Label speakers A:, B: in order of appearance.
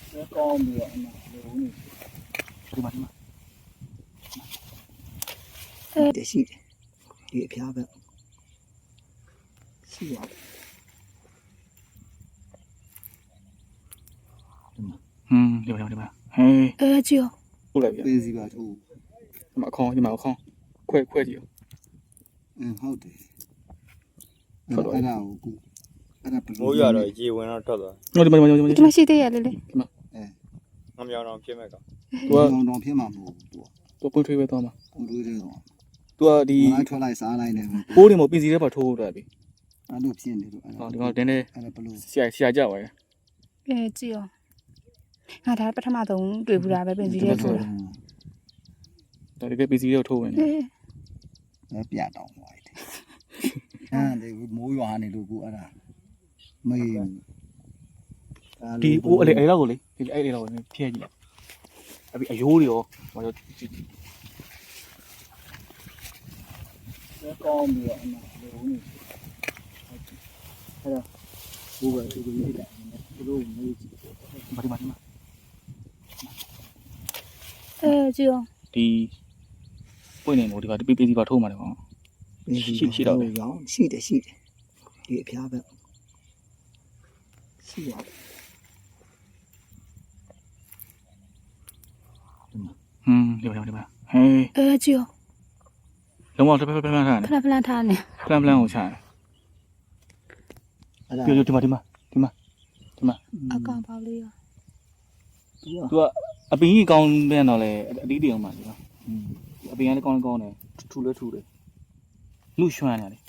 A: ကောင်းပြီးတော့အမှလုံးနေဒီမှာတရှိတယ်ဒီအဖျားပဲရှိရတယ်
B: ဒီမှာဟေး
C: ကြည့်ရော
B: ဟုတ်လိုက်ပြီ
A: ပေးစီပါထိုး
B: ဒီမှာအခေါင်းခွဲကြည့်ရော
A: ဟုတ်တယ်အဲ့ဒါကိုအဲ့ဒါဘယ်လို
D: မိုးရတော့ရေဝင်တော့ထွက်သွား
B: ဟုတ်ဒီမှာ
C: ဒီမရှိသေးရလေလေ
D: ငမြောင်တော့ဖြစ်မဲ့ကောင်
B: သူက
A: တောင်ဖြစ်မှာမဟုတ်ဘူးသူ
B: သူပွင့်ထွေးပဲသွားမှာ
A: ပုံတွေးတယ်တော့
B: သူကဒီ
A: လိုက်ထွက်လိုက်စားလိုက်တယ်
B: ပိုးတွေမပင်စီထဲမှာထိုးတော့ပြီ
A: အဲ့လိုဖြစ်နေလို့အဲ့
B: ဟောဒီကောင်တင်းနေ
A: ဒါဘယ်လို
B: ဆရာကြပါရဲ့
C: ကြည့်ရောငါဒါပထမဆုံးတွေ့ဘူးတာပဲပင်စီရဲထိုးတာ
B: ဒါတကယ်ပင်စီထဲကိုထိုးဝင်တယ်
A: လဲပြတောင်းသွားတယ်အဲ့ဒီမိုးရွာနေလို့ကိုအဲ့ဒါမေး
B: ဒီပိုးအဲ့လောက်ကိုလေဒီအဲ့လောက်ကိုဖျက်ကြည့်လိုက်အပြီးအယိုးတွေရောဟော
A: ကောင်းပြီးတော့အမှလုံးနေအဲ့ဒါဘူကသူကိုရေးလိုက်သူတို့မေးကြည့်
B: ဒီမှာ
C: ကြည့်ရော
B: ဒီပွင့်နေလို့ဒီကပင်စီပါထိုးမှာတယ်ကောင်
A: ရှိတော့ရောင်းရှိတယ်ဒီအဖျားပဲရှိရတယ်
B: ဒီမှာဟေး
C: ကြည့်ရော
B: လုံးဝဖလန်ထားတယ်
C: ဖလန်ထားနေ
B: ဖလန်ကိုချတယ်
A: အဲ့ဒါ
B: ပြဒီမှာ
C: အကောင်ပေါလေးရော
B: သူကအပင်ကြီးကောင်းပြန်တော့လေအတီးတီအောင်ပါဒီကအပင်ကလည်းကောင်းတယ်ထူတယ်နှုတ်ရွှမ်းနေတယ်